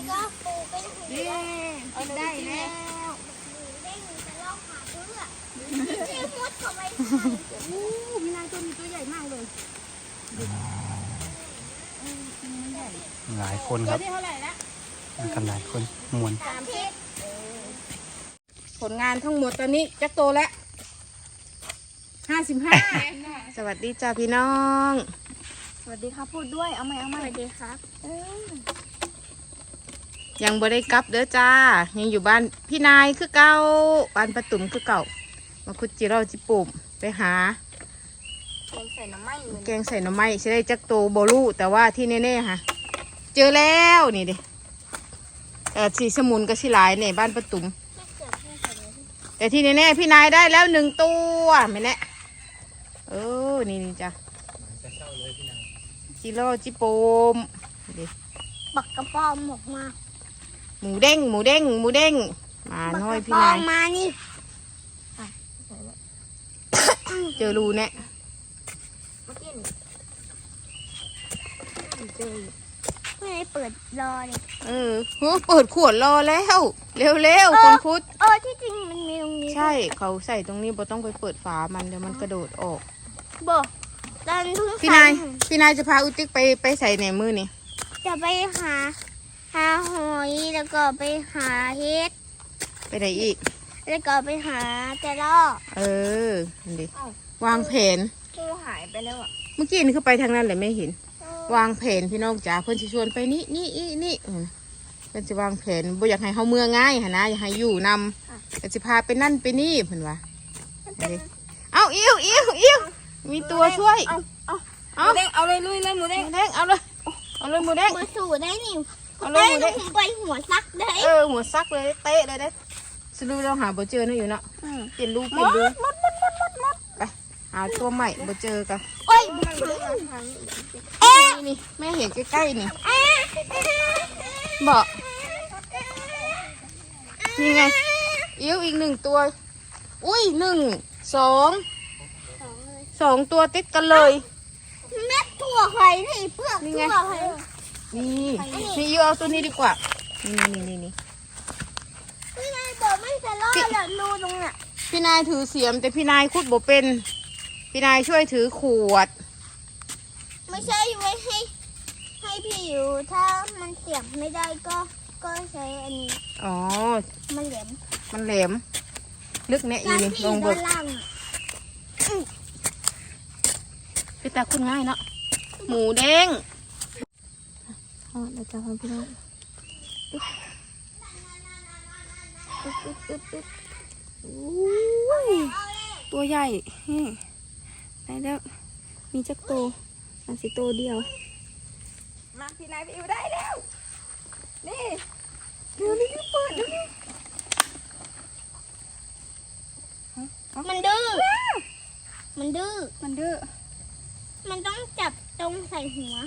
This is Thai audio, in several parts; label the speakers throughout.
Speaker 1: ก็ปูเป็นหัว
Speaker 2: เอาได้แล้ว
Speaker 1: เด้งจะลอกหาเพื่อที่มุดเข้าไป
Speaker 2: มีนายตัวนี้ตัวใหญ่มากเลย
Speaker 3: หลายคนค
Speaker 2: ตัว
Speaker 3: รับ
Speaker 2: ที่เท่าไหร่ละ
Speaker 3: มากันหลายคนมวน
Speaker 2: ผลงานทั้งหมดตอนนี้จักโตแล้ว55สวัสดีจ้าพี่น้องสวัสดีครับพูดด้วยเอาไหมสวัสดีครับยังบ่ได้กลับเด้อจ้ายังอยู่บ้านพี่นายคือเก่าบ้านประตุ่มคือเก่ามาคุดจิเราจิปุ่มไปหาแกงใส่หน่อไม้ใช่ได้จักโตโบลูแต่ว่าที่แน่ๆค่ะเจอแล้วนี่ดิสีสมุนกับสีหลายเนี่ยบ้านประตุ่มแต่ที่แน่ๆพี่นายได้แล้ว1 ตัวไม่แน่นี่จ้ะจิโร่จิปุ่มดิ
Speaker 1: ปักกระป๋อมออกมา
Speaker 2: หมูเด้งมาน้อยพี่นาย
Speaker 1: มานี่
Speaker 2: เจอรูเนี่ย
Speaker 1: ไม่ได้เปิดรอเลย
Speaker 2: เปิดขวดรอแล้วเร็วๆคุณพุทธ
Speaker 1: ที่จริงมันมีตรงนี้
Speaker 2: ใช่เขาใส่ตรงนี้บ่ต้องไปเปิดฝามันเดี๋ยวมันกระโดดออก
Speaker 1: บอกตอนทุ่ง
Speaker 2: พี่นายจะพาอุติกไปใส่ในมือนี่
Speaker 1: จะไปหาหอยแล้วก็ไปหาเห็ด
Speaker 2: ไปไหนอีก
Speaker 1: แล้วก็ไปหาจะลอก
Speaker 2: นั่นดิวางแผน
Speaker 1: ตัวหายไปแล้วอ่ะ
Speaker 2: เมื่อกี้นี่คือไปทางนั้นเลยไม่เห็น วางแผนพี่น้องจ๋าเพื่อนจะชวนไปนี่เพื่อนจะวางแผนบ่อยากให้เขาเมื่อง่ายหนะอยากให้อยู่นำจะพาไปนั่นไปนี่เพื่อนว่าเอาอิ้วมีตัวช่วยเอาเด้งเอาเลยลุยเลยหมูเด้งเอาเลยหมูเด้ง
Speaker 1: มาสู่ได้นี่
Speaker 2: เอาเลยหมูเด้ง
Speaker 1: ไปหัวซักได้
Speaker 2: หัวซักเลยเตะเลยได้สรุปเราหาบ่เจอนะอยู่เนาะเปลี่ยนรูไปหาตัวใหม่บ่เจอกัน
Speaker 1: โอ้ย
Speaker 2: นี่แม่เห็นใกล้ๆนี่บอกนี่ไงอิ้วอีก1 ตัวอุ้ย2 ตัวติดกันเลย
Speaker 1: เม็ดถั่วไข่นี่เปลือกถั่วไข่
Speaker 2: นี่อิ้วเอาตัวนี้ดีกว่านี่
Speaker 1: พี่นายบอกไม่จะรอดแล้วรูตรงน่ะ
Speaker 2: พี่นายถือเสียมแต่พี่นายขุดบ่เป็นพี่นายช่วยถือขวด
Speaker 1: ไม่ใช่ไว้ให้พี่อยู่ถ้ามันเสียบไม่ได้ก็ใช้อันนี้
Speaker 2: อ๋อ
Speaker 1: มันแหลม
Speaker 2: มันแหลมลึกเนี่ยอีนี่ลงเบิ
Speaker 1: ด้าก นล่าง
Speaker 2: พี่ตาคุณง่ายเนาะหมูเด้งเดี๋ยวจะทำพี่น้องตัวใหญ่ได้แล้วมีจักโตมันสิโตเดียวมาพี่นายไปอยู่ได้แล้วนี่เดี๋ยวนี้เปิดเดี๋ยวนี้
Speaker 1: มันดื้อมันต้องจับตรงใส่หัว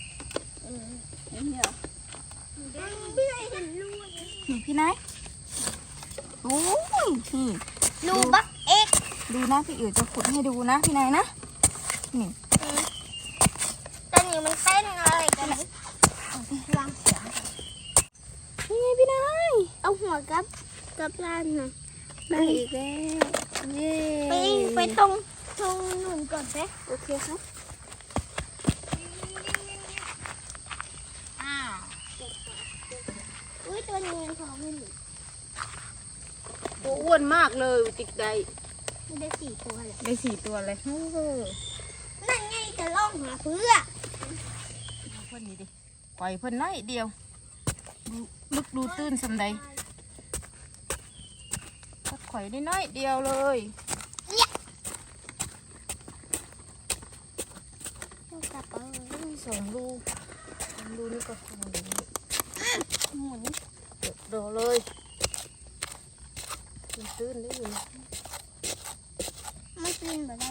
Speaker 1: พี่นายเห็นรูไหม
Speaker 2: พี่นายโอ้ยนี่
Speaker 1: รูบักเอ็ก
Speaker 2: ดูนะพี่อิ๋วจะขุดให้ดูนะพี่นายนะนี่
Speaker 1: ตอนนี้มันเต้นอะไรกันวางเสียง
Speaker 2: นี่ไงพี่นาย
Speaker 1: เอาหัวกับล้านหน่อย
Speaker 2: ได้อีกแล้วเย้
Speaker 1: ไปตรงหนุนก่อนไหม
Speaker 2: โอเคครับอ้าว
Speaker 1: อุ้ยตัวนี้มันท้องไม่หนู
Speaker 2: ตัวอ้วนมากเลยติกได้
Speaker 1: มันได้4 ตัวเลย
Speaker 2: ได้4 ตัวเลยโอ้โห
Speaker 1: นั่นไงจะล่องหาเพื่อ
Speaker 2: เพิ่นนี่ดิปล่อยเพิ่นน้อยเดียวลึกดูตื้นสำใดก็ข่อยได้น้อยเดียวเลย2 ลูกนี่ก็หมุนโดเลยตื้นได้อยู่
Speaker 1: ไม่กินแบบไร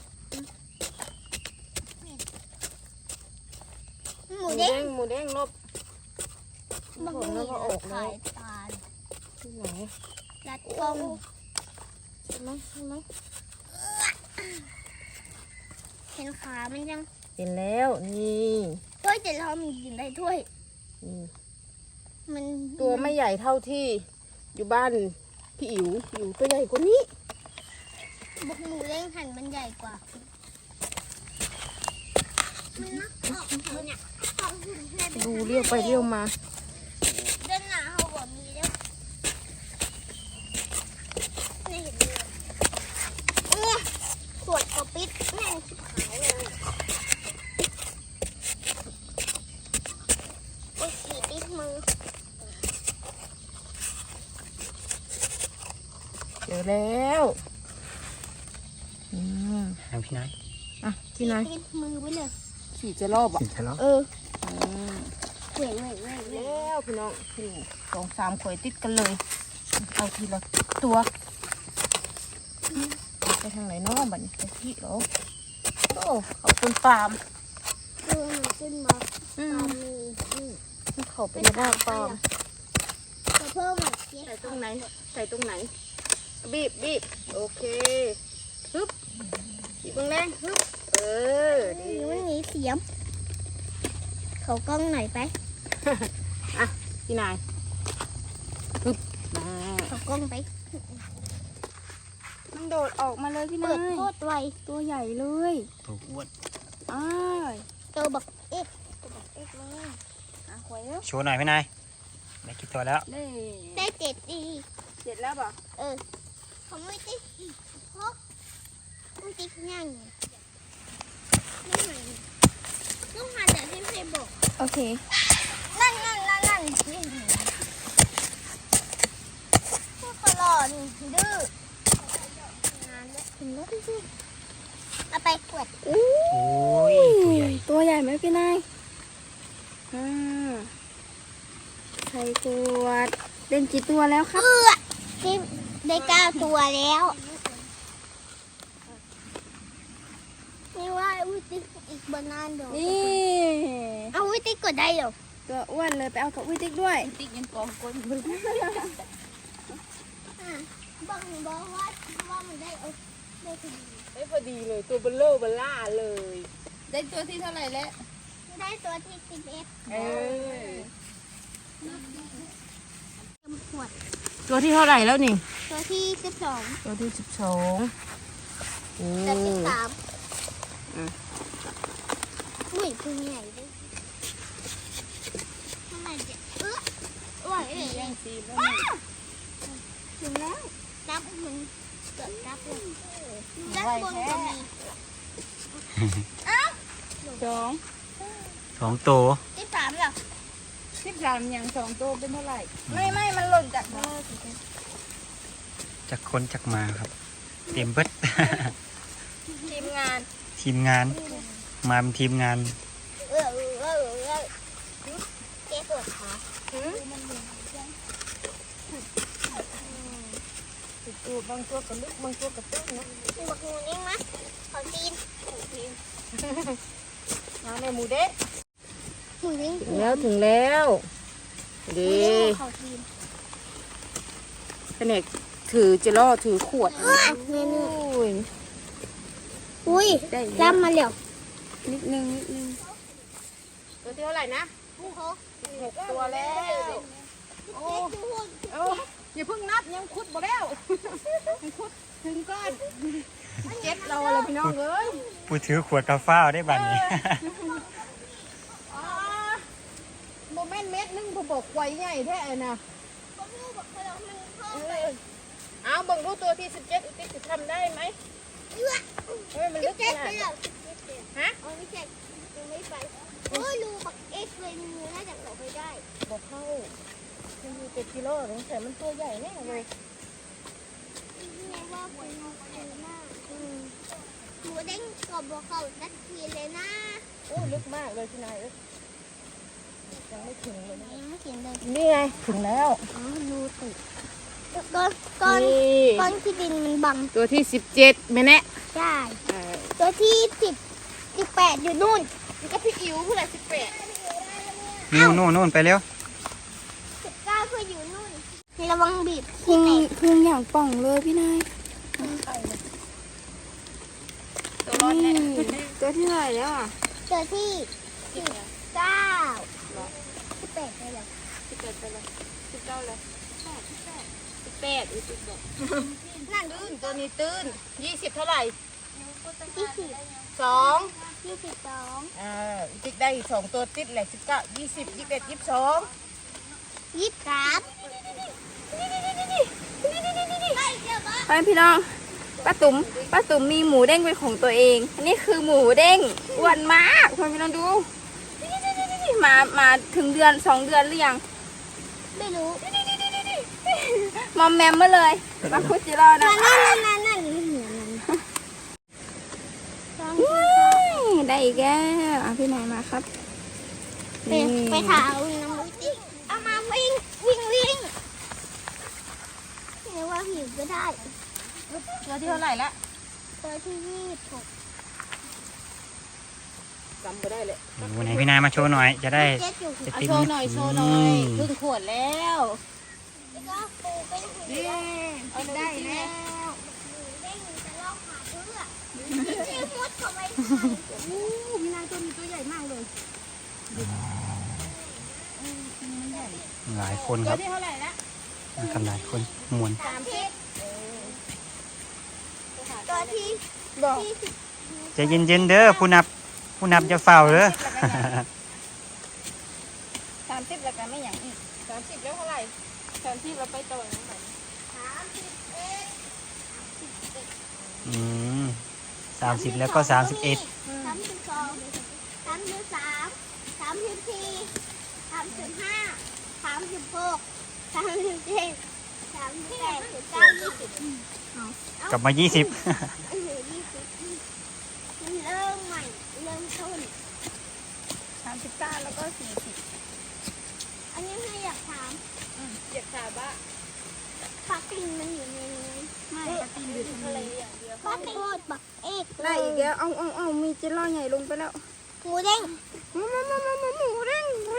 Speaker 1: หมูเด้ง
Speaker 2: หมูเด้งลบ
Speaker 1: มัน
Speaker 2: ผลแล้วก็ออกแล้ว
Speaker 1: ตา
Speaker 2: ที่ไหน
Speaker 1: ลัดกล้อง
Speaker 2: ใช่ไหม
Speaker 1: เห็นขามันยัง
Speaker 2: เห็นแล้วนี่
Speaker 1: ถ้วยจะเรามีกินได้ถ้วย
Speaker 2: นี่
Speaker 1: มัน
Speaker 2: ตัวไม่ใหญ่เท่าที่อยู่บ้านพี่อิ๋วตัวใหญ่กว่านี้
Speaker 1: บุกหมูเล้งหันมันใหญ่กว่ามันนักออกเขาเนี่ยออกหุ่นแค่
Speaker 2: ดูเลี้ยวไปเลี้ยวมา
Speaker 1: เดินหนาเขาบอกมีแล้วไม่เห็นเลยขวดกระปิดแม่งชิบหายเลยโอ้ยฉีดติดมือ
Speaker 2: เจอแล้ว
Speaker 3: ทางพี่นาย
Speaker 2: อ่ะที่ไหน
Speaker 1: ติดมือไปเลย
Speaker 2: ขี่จะรอบอ่ะ
Speaker 3: ขี่ทะเลาะ
Speaker 1: เว้ย
Speaker 2: แล้วพี่น้องขี่2-3 ข่อยติดกันเลยเอาทีละตัวไปทางไหนน้องบัดนี้ไปที่เหรอโอ้เขาเป็นฟาร์ม
Speaker 1: ตัวมันขึ้นมาตามมือ
Speaker 2: เขาเป็นหน้าฟาร์ม
Speaker 1: จะเพิ่มอีกเย
Speaker 2: ใส่ตรงไหนใส่ตรงไหนบีบโอเคฮึบบีบแรงฮึบดี
Speaker 1: มันมีเสียมเขากล้องไหนไป
Speaker 2: อ่ะพี่นายฮึบมา
Speaker 1: เขากล้องไป
Speaker 2: มันโดดออกมาเลยพี่
Speaker 1: เปิ
Speaker 2: นา
Speaker 1: ด
Speaker 2: ย
Speaker 1: โคตรไว
Speaker 2: ตัวใหญ่เลย
Speaker 3: ตัวอ้วน
Speaker 2: อ้าย
Speaker 1: ตัวบักเอ็กตัวบักเอ็กเลย
Speaker 2: อ่ะหวยแล้ว
Speaker 3: โชว์หน่อยพี่นายได้กี่ตัวแล้ว
Speaker 1: ได้7 ดี
Speaker 2: เสร็จแล้วป่ะ
Speaker 1: เขาไม่ติดเพราะไม่ติดง่ายต้องหาแต่ที่ไม่บอก
Speaker 2: โอเค
Speaker 1: นั่นนี่พวกกระหล่อนดื้องานแล้วถึงแล้วพี่เอาไปขวด
Speaker 3: โอ้ยตัวใหญ่
Speaker 2: ตัวใหญ่ไหมพี่นายใส่ขวดเล่นกี่ตัวแล้วครับ
Speaker 1: ที่ได้9 ตัวแล้วนี่ว่าวิติอีกบนนานเดี๋ยว
Speaker 2: นี่
Speaker 1: เอาวิติกดได้เหรอ
Speaker 2: ตัวอ้วนเลยไปเอากับวิติกด้วย
Speaker 1: บอกว่ามันได้พอดี
Speaker 2: ได้พอดีเลยตัวเบลเลอร์เบลล่าเลย
Speaker 4: ได้ตัวที่เท่าไหร่แล้ว
Speaker 1: ได้ตัวที่11 ขวด
Speaker 2: ตัวที่เท่าไหร่แล้วนี่
Speaker 1: ตัวที่12
Speaker 2: ตัวที่12โอ้
Speaker 1: ตัวที่3
Speaker 2: อืม
Speaker 1: อุ้ยพึ่งใหญ่ด้วยทำไมจะไหวเลย
Speaker 4: ยังซีแล้ว
Speaker 1: ถึงแล้วนับมันเกิดนับเลยด้านบนก็มี
Speaker 3: 2 ตัว
Speaker 1: ที่3เหรอ
Speaker 4: 13อย่าง2ตัวเป็นเท่าไหร่
Speaker 2: ไม่มันหล่นจากมือ
Speaker 3: จากคนจากมาครับเต็มเบิด
Speaker 2: ทีมงาน
Speaker 3: ทีมงานมาเป็นทีมงาน
Speaker 1: เจ๊ปวดขา
Speaker 2: ตัวบางตัวกระลึกบางตัวกระตื้นนะ
Speaker 1: มีบักงูนิ่งมั้ยขอตีน
Speaker 2: มาในหมูเด็ก
Speaker 1: หมูนิ่ง
Speaker 2: ถึงแล้วดี
Speaker 1: ขอตีน
Speaker 2: เป็นเอกถือจะล่อถือขวด
Speaker 1: อุ้ยล่ำมาแล้ว
Speaker 4: นิดนึง
Speaker 2: ตัวที่เท่าไหร่นะ6 ตัวแล้ว โอ้อย่าเพิ่งนับยังคุดบ่แล้วยังคุดถึงก้อน7 เราเลยพี่น้องเอ้ย
Speaker 3: ผู้ถือขวดกาฟ้าวได้บัดนี้
Speaker 2: โมเมนต์1 ผมบอกไว้ใหญ่แท้นะเอาเบิ่งดูตัวที่17อุติจะทำได้ไหมเฮ้ยมันลึกข
Speaker 1: เจ๊
Speaker 2: นา
Speaker 1: ไป
Speaker 2: ด
Speaker 1: แล้ว
Speaker 2: ฮะ
Speaker 1: ไม่ใช่ไม่ไปโอ้ยรูบักเอ็กเลยมือน่าจะเข้าไปได้
Speaker 2: บอกเข้ามันอยู่7 กิโลแต่มันตัวใหญ่แน่เลย
Speaker 1: แม่ว่าเป็นหน้าหมูเด้งกบบอกเขาสักทีเลยนะ
Speaker 2: โอ้ลึกมากเลยพี่นายยังไม่ถึงเลยนะ
Speaker 1: ยังไม่เขียนเลย
Speaker 2: นี่ไงถึงแล้ว
Speaker 1: อ๋อรูติดก้อน
Speaker 2: นี่
Speaker 1: ก้อนที่ดินมันบัง
Speaker 2: ตัวที่17แม่แน่
Speaker 1: ใช่ตัวที่18อยู่นู่น
Speaker 2: ก็พี่อิ๋วผู้ใด18
Speaker 3: นู่นไปเร็ว
Speaker 1: 19ก็อยู่นู่นระวังบีบ
Speaker 4: พุงอย่างป่องเลยพี่นาย
Speaker 2: ตัวร้อนแน่
Speaker 4: ตัวที่เท่าไหร่แล้วอ่ะ
Speaker 1: ตัวที่19 18เลยเหรอ
Speaker 4: 18ไปเลย19เลย18อีก10บอก
Speaker 1: นั่น
Speaker 2: ตื้นตัวนี้ตื้น20เท่าไหร่
Speaker 1: 20
Speaker 2: 2
Speaker 1: 22
Speaker 2: ติ๊กได้อีก2ตัวติดแหละ19 20 21 22
Speaker 1: 23ไปเดี๋ยวมา
Speaker 4: ไปพี่น้องป้าตุ๋มมีหมูเด้งเป็นของตัวเองอันนี้คือหมูเด้งอ้วนมากพี่น้องดูมาถึงเดือน2 เดือนหรือยัง
Speaker 1: ไม่รู้
Speaker 4: มอมแมมมาเลยมาคุจิโร่นะ
Speaker 1: นั่น
Speaker 4: ได้อีกแล้วพี่นายมาครับ
Speaker 1: ไปถามน้องมุ้ยติ๊กเอามาวิ่งเรียกว่าหิวก็ได้
Speaker 2: ตัวที่เท่าไหร่ละ
Speaker 1: ตัวที่26
Speaker 2: จำไม่ได้เลย
Speaker 3: วันไหนพี่นายมาโชว์หน่อยจะได้
Speaker 1: เจ็ดอยู่
Speaker 3: จะ
Speaker 2: เอา
Speaker 3: ติม
Speaker 2: โชว์หน่อยครึ่งขวดแล้ว
Speaker 1: แล้วก็ปูเป็นหิว
Speaker 2: เย้เอาได้แล้ว
Speaker 1: หมูเด้งจะลอกหาเพื่อที่มุดเข้าไป
Speaker 2: อู้พี่นายตัวนี้ตัวใหญ่มากเลย
Speaker 3: หลายคนค
Speaker 2: ตัว
Speaker 3: รับ
Speaker 2: ที่เท่าไหร่ละ
Speaker 3: มากันหลายคนมวน
Speaker 1: ตัวที่
Speaker 2: บอก
Speaker 3: ใจเย็นๆเด้อผู้นับจะเฝ้าเด้อ
Speaker 4: 30แล้วกันไม่อย่างอีก
Speaker 2: 30แล้วเท่าไหร่
Speaker 4: 30เราไปต่อยังไง
Speaker 3: 30แล้วก็31
Speaker 1: 32 33 34 35 36 37 38 39 20
Speaker 3: กลับมา 20
Speaker 1: มันเริ่มใหม่เริ่มต้น
Speaker 4: 39แล้วก็40
Speaker 1: อันนี้ไม่อยากถาม
Speaker 4: เจ็บขาบ้า
Speaker 1: ปลาตินมันอยู่ในนี้
Speaker 4: ไม่ปฏิบัติอะไรอย่างเดียว
Speaker 1: ปลาตินโคตรบักเอก
Speaker 4: ได้อีกแล้วเอามีจิโร่ใหญ่ลงไปแล้ว
Speaker 1: หมูเด้ง
Speaker 4: หมูเด้งมา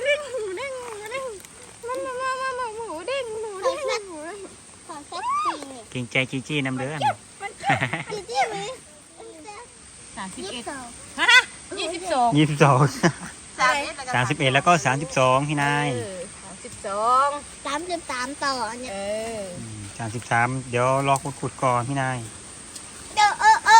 Speaker 1: ขอแซ่บจริงเนี่ย
Speaker 3: เก่งใจจี้ๆน้ำเด้อ
Speaker 1: จีจี้ไหม
Speaker 2: 31ฮะ22
Speaker 3: 31แล้วก็32พี่นาย
Speaker 2: 32
Speaker 1: 33ต่อเนี่ย
Speaker 3: 33เดี๋ยวรอขุดๆก่อนพี่นาย
Speaker 1: เดี๋ยวน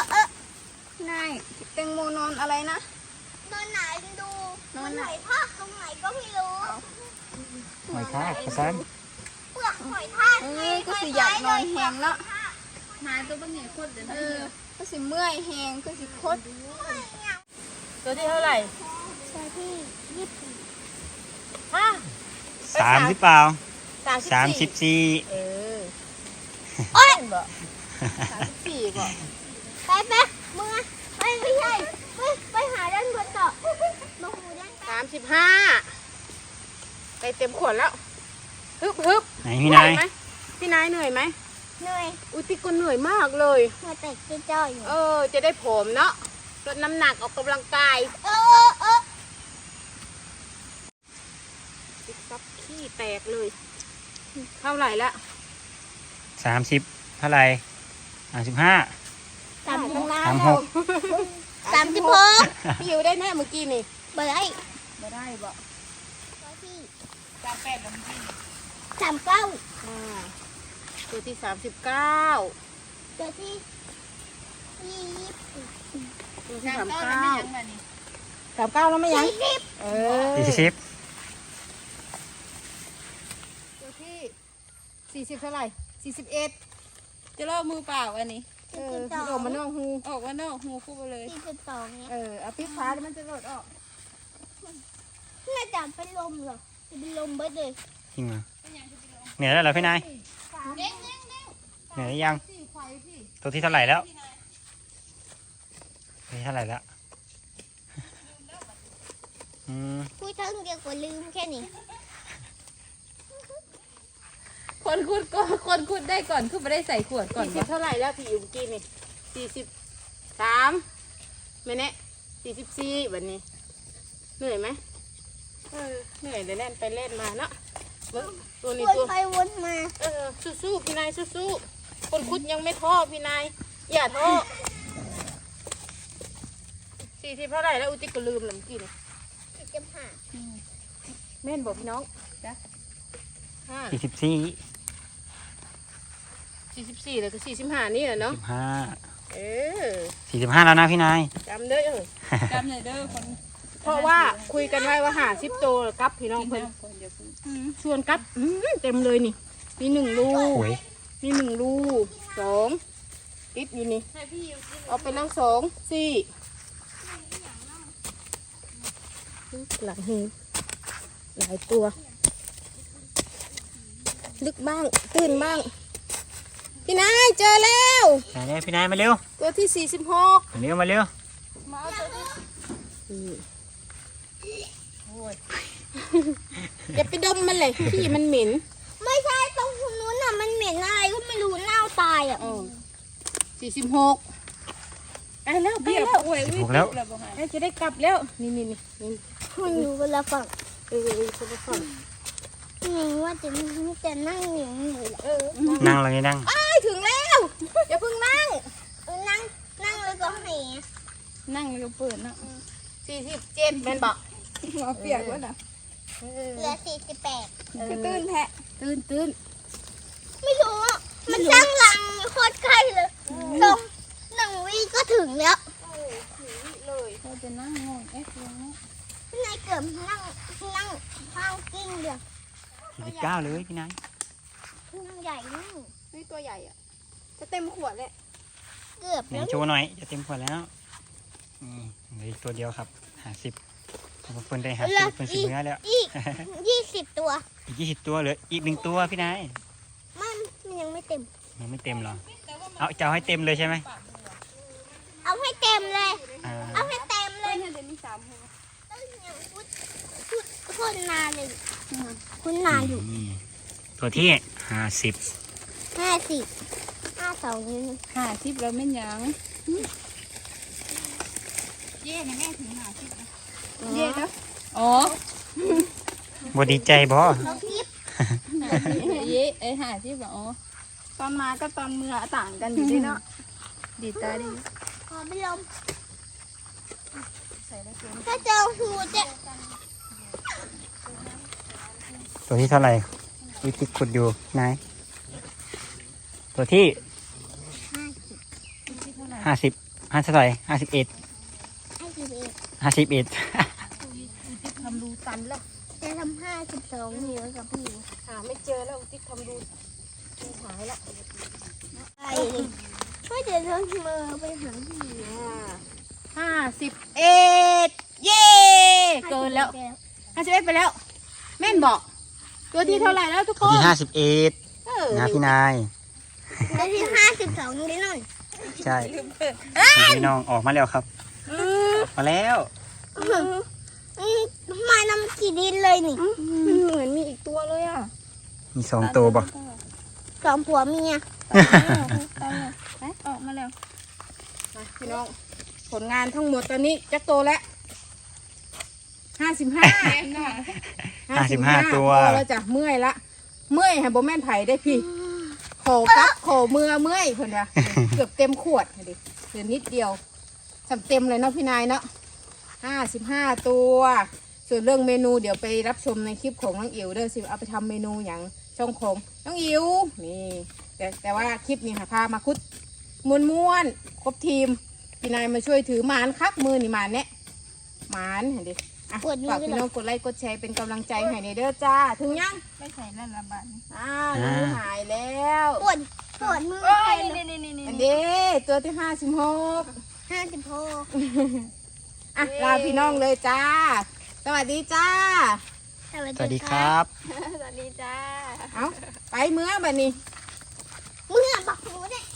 Speaker 4: ายแตงโมนอนอะไรนะ
Speaker 1: นอนไหนดูมันหอยทากตรงไหนก็ไม่รู้
Speaker 3: หอยทากภาษา
Speaker 1: เปลือกหอยทาก
Speaker 4: ก็สิอยากนอนแหงเนาะ
Speaker 2: นายตัวเป็นไงโคตรเดี๋ยวนะ
Speaker 4: ก็สิเมื่อยแหงก็สิคด
Speaker 2: ตัวที่เท่าไหร่
Speaker 1: ตัวที่
Speaker 2: ฮ
Speaker 1: 20
Speaker 2: ะ
Speaker 3: 30เปล่า
Speaker 2: 34
Speaker 3: 34
Speaker 2: เออ
Speaker 1: โอ๊ย
Speaker 2: บ่34บ่
Speaker 1: ไปมึงอะไม่ใช่ไปหาด้านบนต่อมาหูด้านใต้
Speaker 2: 35ไปเต็มขวดแล้วฮึบ
Speaker 3: ไหนพี่นาย
Speaker 2: ไหมพี่นายเหนื่อยไหม
Speaker 1: เหนื่อย
Speaker 2: อุ้ยพี่ก็เหนื่อยมากเลย
Speaker 1: มาแต่จ้อยอยู่
Speaker 2: จะได้ผอมเนาะลดน้ำหนักออกกำลังกาย ติ๊กต๊อกขี้แตกเลย เท่าไหร่ละ
Speaker 3: 30เท่าไหร่35
Speaker 1: 36
Speaker 2: พี่อยู่ได้แน่เมื่อกี้นี่
Speaker 1: เบอร์ไอ้
Speaker 2: ไม่ได้บ่
Speaker 1: ตัวที่
Speaker 2: 38แล้วเมื่อกี้
Speaker 1: 39
Speaker 2: ตัวที่ 39
Speaker 1: ตัวที่
Speaker 2: ตัวที่39แล้วไม่ยัง
Speaker 1: 40
Speaker 2: เออ
Speaker 3: 40
Speaker 2: ตัวที่40เท่าไหร่41
Speaker 4: จะเล่ามือเปล่าอันนี้
Speaker 2: พี่โดมมันนอกหู
Speaker 4: ออกว่านอกหูคู่ไปเลย
Speaker 1: 42เนี่ย
Speaker 2: เอาปิ๊กฟ้าแล้วมันจะหลดออก
Speaker 1: น่าจะเป็นลมเหรอจะเป็นลมเบิดเลย
Speaker 3: จริงเหรอเหนื่อยแล้วเหรอพี่นาย
Speaker 1: เด้ง
Speaker 3: เหนื่อยหรือยังตัวที่เท่าไหร่แล้วตัวที่เท่าไหร่แล้ว
Speaker 1: พูดทั้งเดียวก็ลืมแค่นี้
Speaker 4: คนขุดได้ก่อนคือไม่ได้ใส่ขวดก่อน
Speaker 2: 40เท่าไหร่แล้วพี่อยู่เมื่อกี้นี่43ไม่แน่44วันนี้ เหนื่อยไหมเหนื่อยเลยเล่นไปเล่นมาเนาะตัวนี้
Speaker 1: วน
Speaker 2: ตัว
Speaker 1: ไปวนมา
Speaker 2: สู้ๆพี่นายสู้ๆคนคุดยังไม่ท้อพี่นายอย่าท้อ40เท่าไหร่แล้วอุติก็ลืมแล้วเมื่อกี้นี่
Speaker 1: 45
Speaker 2: แม่นบอกพี่น้อง
Speaker 1: 40
Speaker 3: 44
Speaker 2: 44แล้วก็45นี่แหละเนาะ
Speaker 3: 45
Speaker 2: เออ
Speaker 3: 45แล้วนะพี่นาย
Speaker 2: จำเด้อ
Speaker 4: จำเลยเด้อคน
Speaker 2: เพราะว่าคุยกันไว้ว่า50โตแล้วกับพี่น้องเพิ่นส่วนกับเต็มเลยนี่มี1 ลู
Speaker 3: โอ้
Speaker 2: ก
Speaker 3: ย
Speaker 2: มี1 ลูก2ติดอยู่นี่เอาไปแล้ว2 4หลังหูหลายตัว ลึกบ้างตื้นบ้างพี่นายเจอแล้ว
Speaker 3: มาเร็วพี่นายมาเร็ว
Speaker 2: ตัวที่46
Speaker 3: มาเร็วมาเร็ว
Speaker 2: อย่าไปดมมันเลยพี่มันเหม็น
Speaker 1: ไม่ใช่ตรงนู้นน่ะมันเหม็นอะไรก็ไม่รู้เน่าตายอ่ะ
Speaker 2: 46ไปแล้วไปแล้ว
Speaker 3: 16แล้ว
Speaker 2: จะได้กลับแล้วนี่
Speaker 1: มันอยู่คนละฝั่ง
Speaker 2: คนละฝั่ง
Speaker 1: นี่ว่าจะนั่งอย่างนี้เลยแหละ
Speaker 3: นั่งเลยนั่ง
Speaker 2: ถึงแล้วอย่าเพิ่งนั่ง
Speaker 1: นั่งเลยก็ให้
Speaker 4: นั่งแล้วก็เปิดเนาะ
Speaker 2: 47เป็นบอก
Speaker 4: มาเปียกแล้วนะ
Speaker 1: เหลือ48
Speaker 4: ก็ตื้นแทะ
Speaker 2: ตื่น
Speaker 1: ไม่รู้อ่ะมันสร้างรังโคตรใกล้เลยตรง1 วิก็ถึงแล้ว
Speaker 4: เราจะนั่งงงยังไง
Speaker 1: นายเกือบนั่งข้างกิ้งเดียว
Speaker 3: 49เลยพี่นาย
Speaker 1: นั่งใหญ่นั่ง
Speaker 4: นี่ตัวใหญ่อ่ะจะเต็มขวดเลย
Speaker 1: เกือบ
Speaker 3: ไหน
Speaker 1: แล้ว
Speaker 3: โชว์หน่อยจะเต็มขวดแล้วนี่เหลืออีกตัวเดียวครับ50เพิ่นได้50เพิ่นสิบเนื้อแล้ว
Speaker 1: อีก20 ตัว
Speaker 3: อีก20ตัวเหลืออีก1ตัวพี่นาย
Speaker 1: มันยังไม่เต็ม
Speaker 3: ยังไม่เต็มหรอเอาจะเอาให้เต็มเลยใช่ไหม
Speaker 1: เอาให้เต็มเลย
Speaker 3: อ่า
Speaker 1: เอาให้เต็มเลย
Speaker 4: เดี๋ยวมี3หัว
Speaker 1: คนนานเลยคุณนานอยู่
Speaker 3: นี่ตัวที่50
Speaker 1: 52นิ้ว
Speaker 4: 50แล้วไม่ยัง
Speaker 2: เย่แม่ถึง50
Speaker 4: เย่นะอ๋อ
Speaker 3: บ่ดีใจบ่
Speaker 1: เราคลิป
Speaker 4: เย่50อ๋อตอนมาก็ตอนเมื่อต่างกันอยู่ดีเนาะดีตาดี
Speaker 1: ขอไปลมถ้าเจอหูจะ
Speaker 3: ตัวที่เท่าไหร่วิธีขุดอยู่ไหนตัวที่50เท่าไหร่51
Speaker 2: ทำรูตันแล้ว
Speaker 1: จะทำ52นิ้วกับพี่
Speaker 2: หาไม่เจอแล้วติ๊กทำรูหายแล้ว
Speaker 1: ไปช่วยเดี๋ยวเรามือไปหาพี่
Speaker 2: 51เย่เกินแล้ว51ไปแล้ว แม่นบอก ตัวที่เท่าไหร่แล้วทุกค
Speaker 3: ตัวน ที่51นะพี่นาย
Speaker 1: แล้วที่52นิ้วนั่น
Speaker 3: ใช่พี่น้องออกมาแล้วครับออกมาแล้ว
Speaker 1: มานำกี่ดินเลยนี่
Speaker 4: เหมือนมีอีกตัวเลยอ่ะ
Speaker 3: มี2ตัวบ่
Speaker 1: 2 ผัวเมีย
Speaker 4: ออกมาแล้ว
Speaker 2: มาพี่น้องผลงานทั้งหมดตอนนี้จักโตแล้ว55
Speaker 3: 55ตัว
Speaker 2: พอแล้วจ้ะเมื่อยละเมื่อยให้บ่แม่นไผได้พี่โขกับโขเมื่อยเพิ่นว่าเกือบเต็มขวดดิเหลือนิดเดียวสำเต็มเลยเนาะพี่นายเนาะ55ตัวส่วนเรื่องเมนูเดี๋ยวไปรับชมในคลิปของน้องอิ๋วเด้อสิเอาไปทำเมนูอย่างช่องของน้องอิ๋วนี่แต่ว่าคลิปนี้ค่ะพามาคุดม้วนครบทีมพี่นายมาช่วยถือหมานครับมือนี่หมานเนี่ยหมานเห็นดิอ่ะฝากพี่น้องกดไลค์กดแชร์เป็นกำลังใจให้ในเด้อจ้าถึงยัง
Speaker 4: ไม่ใส่นั่นละบาท
Speaker 2: มือหายแล้ว
Speaker 1: ปวดมือ
Speaker 4: โอ้
Speaker 1: ไป
Speaker 4: ย
Speaker 1: เลย
Speaker 4: นี่
Speaker 2: อันนี้ตัวที่56
Speaker 1: 56
Speaker 2: อ่ะลาพี่น้องเลยจ้า สวัสดีจ้า
Speaker 3: สวัสดีครับ
Speaker 4: สวัสดีจ้า
Speaker 2: เอาไปเมื่อบัดนี้
Speaker 1: เมื่อบักหนูเนี่ย